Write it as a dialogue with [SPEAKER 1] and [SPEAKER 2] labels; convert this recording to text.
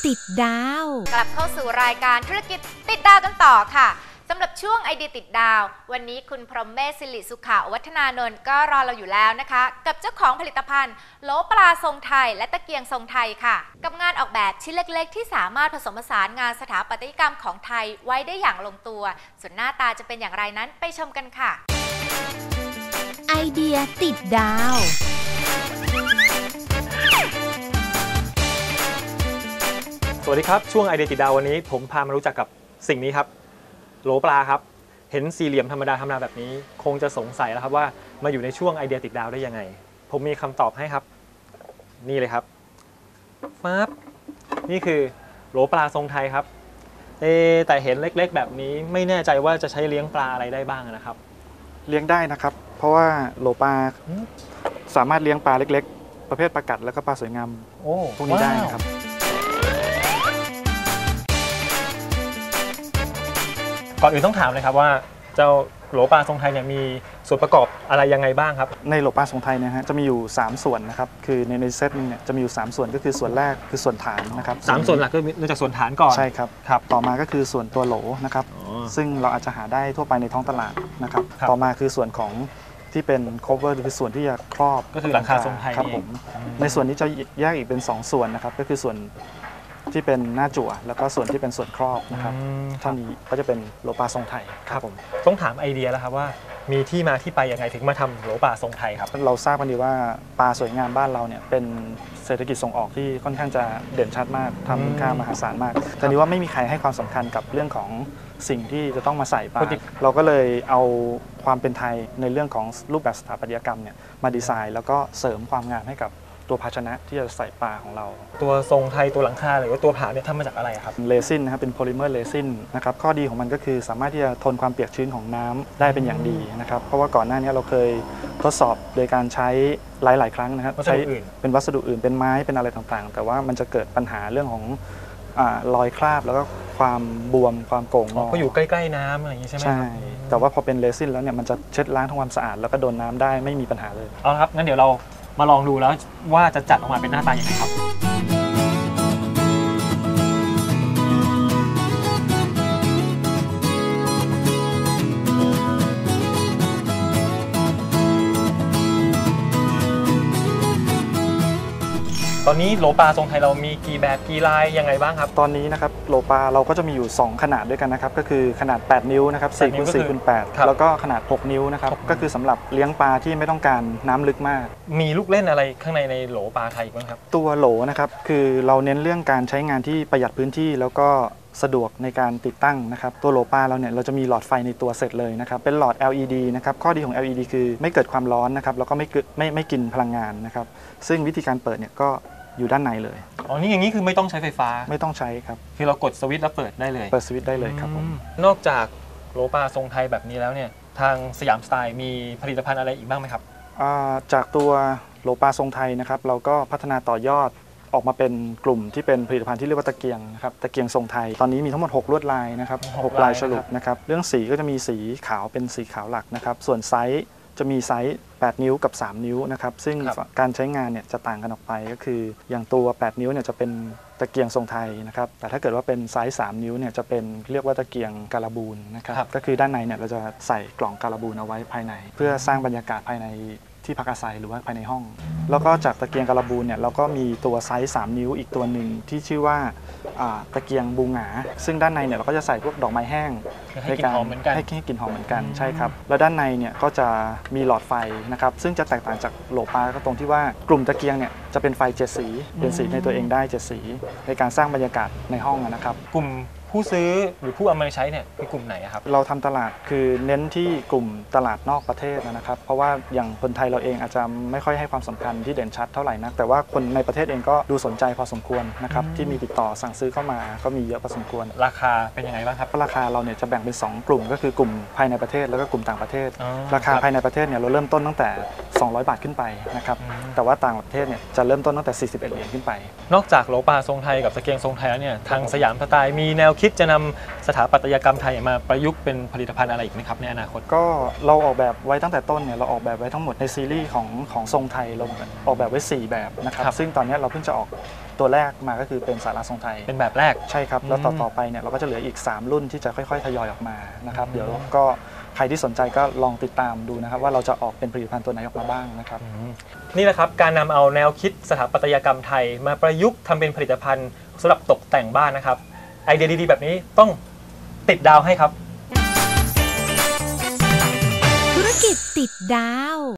[SPEAKER 1] ติดดาว
[SPEAKER 2] กลับเข้าสู่รายการธุรกิจติดดาวกันต่อค่ะสำหรับช่วงไอเดียติดดาววันนี้คุณพรหมเมธสิริสุขวัฒนานนท์ก็รอเราอยู่แล้วนะคะกับเจ้าของผลิตภัณฑ์โหลปลาทรงไทยและตะเกียงทรงไทยค่ะกับงานออกแบบชิ้นเล็กๆที่สามารถผสมผสานงานสถาปัตยกรรมของไทยไว้ได้อย่างลงตัวส่วนหน้าตาจะเป็นอย่างไรนั้นไปชมกันค่ะ
[SPEAKER 1] ไอเดียติดดาว
[SPEAKER 3] สวัสดีครับช่วงไอเดียติดดาววันนี้ผมพามารู้จักกับสิ่งนี้ครับโหลปลาครับเห็นสี่เหลี่ยมธรรมดาแบบนี้คงจะสงสัยแล้วครับว่ามาอยู่ในช่วงไอเดียติดดาวได้ยังไงผมมีคำตอบให้ครับนี่เลยครับปั๊บนี่คือโหลปลาทรงไทยครับแต่เห็นเล็กๆแบบนี้ไม่แน่ใจว่าจะใช้เลี้ยงปลาอะไรได้บ้างนะครับ
[SPEAKER 4] เลี้ยงได้นะครับเพราะว่าโหลปลาสามารถเลี้ยงปลาเล็กๆประเภทปลากัดแล้วก็ปลาสวยงามพวกนี้ได้นะครับ
[SPEAKER 3] ก่อนอื่นต้องถามเลยครับว่าเจ้าโหลปลาทรงไทยเนี่ยมีส่วนประกอบอะไรยังไงบ้างครับ
[SPEAKER 4] ในโหลปลาทรงไทยนะฮะจะมีอยู่3ส่วนนะครับคือในเซตนึงเนี่ยจะมีอยู่3ส่วนก็คือส่วนแรกคือส่วนฐานนะครับ
[SPEAKER 3] 3ส่วนหลักก็เริ่มจากส่วนฐานก่อน
[SPEAKER 4] ใช่ครับต่อมาก็คือส่วนตัวโหลนะครับซึ่งเราอาจจะหาได้ทั่วไปในท้องตลาดนะครับต่อมาคือส่วนของที่เป็น cover คือส่วนที่จะครอบ
[SPEAKER 3] ก็คือหลังคาทรงไทย
[SPEAKER 4] ครับผมในส่วนนี้จะแยกอีกเป็น2ส่วนนะครับก็คือส่วนที่เป็นหน้าจั่วแล้วก็ส่วนที่เป็นส่วนครอบนะครับเท่านี้ก็จะเป็นโหลปลาทรงไทย
[SPEAKER 3] ครับผมต้องถามไอเดียแล้วครับว่ามีที่มาที่ไปยังไงถึงมาทำโหลปลาทรงไทยครับ
[SPEAKER 4] เราทราบกันดีว่าปลาสวยงามบ้านเราเนี่ยเป็นเศรษฐกิจส่งออกที่ค่อนข้างจะเด่นชัดมากทำมูลค่ามหาศาลมากแต่นี้ว่าไม่มีใครให้ความสำคัญกับเรื่องของสิ่งที่จะต้องมาใส่ปลาเราก็เลยเอาความเป็นไทยในเรื่องของรูปแบบสถาปัตยกรรมเนี่ยมาดีไซน์แล้วก็เสริมความงามให้กับตัวภาชนะที่จะใส่ปลาของเรา
[SPEAKER 3] ตัวทรงไทยตัวหลังคาหรือว่าตัวผาเนี่ยทำมาจากอะไรครับ
[SPEAKER 4] เรซินนะครับเป็นโพลิเมอร์เรซินนะครับข้อดีของมันก็คือสามารถที่จะทนความเปียกชื้นของน้ำได้เป็นอย่างดีนะครับเพราะว่าก่อนหน้านี้เราเคยทดสอบโดยการใช้หลายครั้งนะครับใช้เป็นวัสดุอื่นเป็นไม้เป็นอะไรต่างๆแต่ว่ามันจะเกิดปัญหาเรื่องของรอยคราบแล้วก็ความบวมความโก่งงอ
[SPEAKER 3] ก็อยู่ใกล้ๆน้ำอะไรอย่างนี้ใช่ไหม
[SPEAKER 4] ใช่แต่ว่าพอเป็นเรซินแล้วเนี่ยมันจะเช็ดล้างทำความสะอาดแล้วก็โดนน้ำได้ไม่มีปัญหาเลย
[SPEAKER 3] เอาครับงั้นเดี๋ยวเรามาลองดูแล้วว่าจะจัดออกมาเป็นหน้าตาอย่างไรครับตอนนี้โหลปลาทรงไทยเรามีกี่แบบกี่ลายยังไงบ้างครับ
[SPEAKER 4] ตอนนี้นะครับโหลปลาเราก็จะมีอยู่2ขนาดด้วยกันนะครับก็คือขนาด8นิ้วนะครับ4คูณ4คูณ8แล้วก็ขนาด6นิ้วนะครับก็คือสำหรับเลี้ยงปลาที่ไม่ต้องการน้ำลึกมาก
[SPEAKER 3] มีลูกเล่นอะไรข้างในโหลปลาไทยบ้างครับ
[SPEAKER 4] ตัวโหลนะครับคือเราเน้นเรื่องการใช้งานที่ประหยัดพื้นที่แล้วก็สะดวกในการติดตั้งนะครับตัวโหลปลาเราเนี่ยเราจะมีหลอดไฟในตัวเสร็จเลยนะครับเป็นหลอด LED นะครับข้อดีของ LED คือไม่เกิดความร้อนนะครับแล้วก็ไม่กินพลังงานนะครับซึ่งวิธีการเปิดเนี่ยก็อยู่ด้านในเลย
[SPEAKER 3] อ๋อนี่อย่างนี้คือไม่ต้องใช้ไฟฟ้า
[SPEAKER 4] ไม่ต้องใช้ครับ
[SPEAKER 3] คือเรากดสวิตช์แล้วเปิดได้เลย
[SPEAKER 4] เปิดสวิตช์ได้เลยครับผม
[SPEAKER 3] นอกจากโหลปลาทรงไทยแบบนี้แล้วเนี่ยทางสยามสไตล์มีผลิตภัณฑ์อะไรอีกบ้างไหมครับ
[SPEAKER 4] จากตัวโหลปลาทรงไทยนะครับเราก็พัฒนาต่อยอดออกมาเป็นกลุ่มที่เป็นผลิตภัณฑ์ที่เรียกว่าตะเกียงนะครับตะเกียงทรงไทยตอนนี้มีทั้งหมด6ลวดลายนะครับ6ลายฉลุนะครับเรื่องสีก็จะมีสีขาวเป็นสีขาวหลักนะครับส่วนไซส์จะมีไซส์8นิ้วกับ3นิ้วนะครับซึ่งการใช้งานเนี่ยจะต่างกันออกไปก็คืออย่างตัว8นิ้วเนี่ยจะเป็นตะเกียงทรงไทยนะครับแต่ถ้าเกิดว่าเป็นไซส์3นิ้วเนี่ยจะเป็นเรียกว่าตะเกียงการบูนนะครับก็คือด้านในเนี่ยเราจะใส่กล่องการบูนเอาไว้ภายในเพื่อสร้างบรรยากาศภายในที่พักอาศัยหรือว่าภายในห้องแล้วก็จากตะเกียงการบูนเนี่ยเราก็มีตัวไซส์3นิ้วอีกตัวหนึ่งที่ชื่อว่าตะเกียงบูหงาซึ่งด้านในเนี่ยเราก็จะใส่พวกดอกไม้แห้ง
[SPEAKER 3] ให้กลิ่นหอมเหมือนกัน
[SPEAKER 4] ให้กลิ่นหอมเหมือนกันใช่ครับแล้วด้านในเนี่ยก็จะมีหลอดไฟนะครับซึ่งจะแตกต่างจากโหลปลาก็ตรงที่ว่ากลุ่มตะเกียงเนี่ยจะเป็นไฟ7สีเป็นสีในตัวเองได้7สีในการสร้างบรรยากาศในห้องนะครับ
[SPEAKER 3] กลุ่มผู้ซื้อหรือผู้เอามาใช้เนี่ยคือกลุ่มไหนครับ
[SPEAKER 4] เราทำตลาดคือเน้นที่กลุ่มตลาดนอกประเทศนะครับเพราะว่าอย่างคนไทยเราเองอาจจะไม่ค่อยให้ความสำคัญที่เด่นชัดเท่าไหร่นักแต่ว่าคนในประเทศเองก็ดูสนใจพอสมควรนะครับที่มีติดต่อสั่งซื้อเข้ามาก็มีเยอะพอสมควร
[SPEAKER 3] ราคาเป็นยังไงบ้างครับ
[SPEAKER 4] ราคาเราเนี่ยจะแบ่งเป็น2กลุ่มก็คือกลุ่มภายในประเทศแล้วก็กลุ่มต่างประเทศราคาภายในประเทศเนี่ยเราเริ่มต้นตั้งแต่ 200 บาทขึ้นไปนะครับแต่ว่าต่างประเทศเนี่ยจะเริ่มต้นตั้งแต่41 เหรียญขึ้นไป
[SPEAKER 3] นอกจากโหลปลาทรงไทยกับตะเกียงทรงไทยแล้วเนี่ยทางสยามสไตล์มีแนวคิดจะนำสถาปัตยกรรมไทยมาประยุกต์เป็นผลิตภัณฑ์อะไรอีกไหมครับในอนาคต
[SPEAKER 4] ก็เราออกแบบไว้ตั้งแต่ต้นเนี่ยเราออกแบบไว้ทั้งหมดในซีรีส์ของทรงไทยเราออกแบบไว้4แบบนะครับซึ่งตอนนี้เราเพิ่งจะออกตัวแรกมาก็คือเป็นศาลาทรงไทย
[SPEAKER 3] เป็นแบบแรก
[SPEAKER 4] ใช่ครับแล้วต่อไปเนี่ยเราก็จะเหลืออีก3รุ่นที่จะค่อยๆทยอยออกมานะครับเดี๋ยวก็ใครที่สนใจก็ลองติดตามดูนะครับว่าเราจะออกเป็นผลิตภัณฑ์ตัวไหนออกมาบ้างนะครับ
[SPEAKER 3] นี่แหละครับการนำเอาแนวคิดสถาปัตยกรรมไทยมาประยุกต์ทำเป็นผลิตภัณฑ์สำหรับตกแต่งบ้านนะครับไอเดียดีๆแบบนี้ต้องติดดาวให้ครับ
[SPEAKER 1] ธุรกิจติดดาว